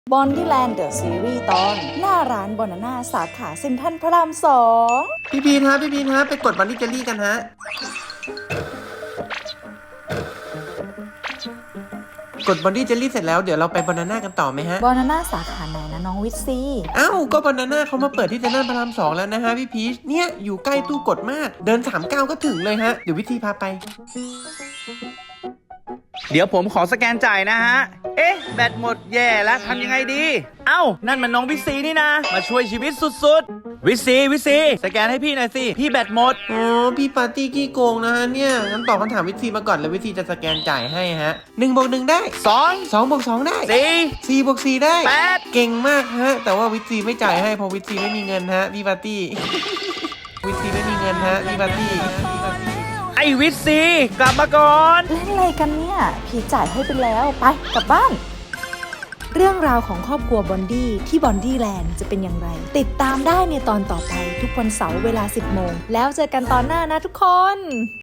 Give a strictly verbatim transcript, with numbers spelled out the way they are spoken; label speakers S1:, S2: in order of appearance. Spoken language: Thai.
S1: บอนดี้แลนด์เดอะซีรีส์ตอนหน้าร้านบอนาน่าสาขาเซ็นทรัลพระรามสอง
S2: พี่พีนฮะพี่พีนฮะไปกดบันนี่เจลลี่กันฮะกดบอนดี้เจลลี่เสร็จแล้วเดี๋ยวเราไปบานาน่ากันต่อไหมฮะ
S1: บอนาน่าสาขาไหนนะน้องวิทซี
S2: อ้าวก็บานาน่าเขามาเปิดที่เซ็นทรัลพระรามสองแล้วนะฮะพี่พีชเนี่ยอยู่ใกล้ตู้กดมากเดินสามก้าวก็ถึงเลยฮะเดี๋ยววิธีพาไป
S3: เดี๋ยวผมขอสแกนจ่ายนะฮะ เอ๊ะ แบตหมดแย่แล้วทำยังไงดี เอ้า นั่นมันน้องวิซีนี่นะ มาช่วยชีวิตสุดๆ วิซีวิซีสแกนให้พี่หน่อยสิ พี่แบตหมด
S2: อ๋อพี่ปาร์ตี้ขี้โกงนะฮะเนี่ยงั้นตอบคำถามวิธีมาก่อนแล้ววิธีจะสแกนจ่ายให้ฮะหนึ่งบวกหนึ่งได้
S3: สอง
S2: สองบวกสองได้
S3: สี่
S2: สี่บวกสี่ได้
S3: แปด
S2: เก่งมากฮะแต่ว่าวิธีไม่จ่ายให้เพราะวิธีไม่มีเงินฮะพี่ปาร์ตี้ วิธีไม่มีเงินฮะพี่ปาร์ตี้
S3: ไอวิซีกลับมาก่อน
S1: เล่นอะไรกันเนี่ยพี่จ่ายให้ไปแล้วไปกลับบ้าน เรื่องราวของครอบครัวบอนดี้ที่บอนดี้แลนด์จะเป็นอย่างไร ติดตามได้ในตอนต่อไปทุกวันเสาร์เวลาสิบโมงแล้วเจอกันตอนหน้านะทุกคน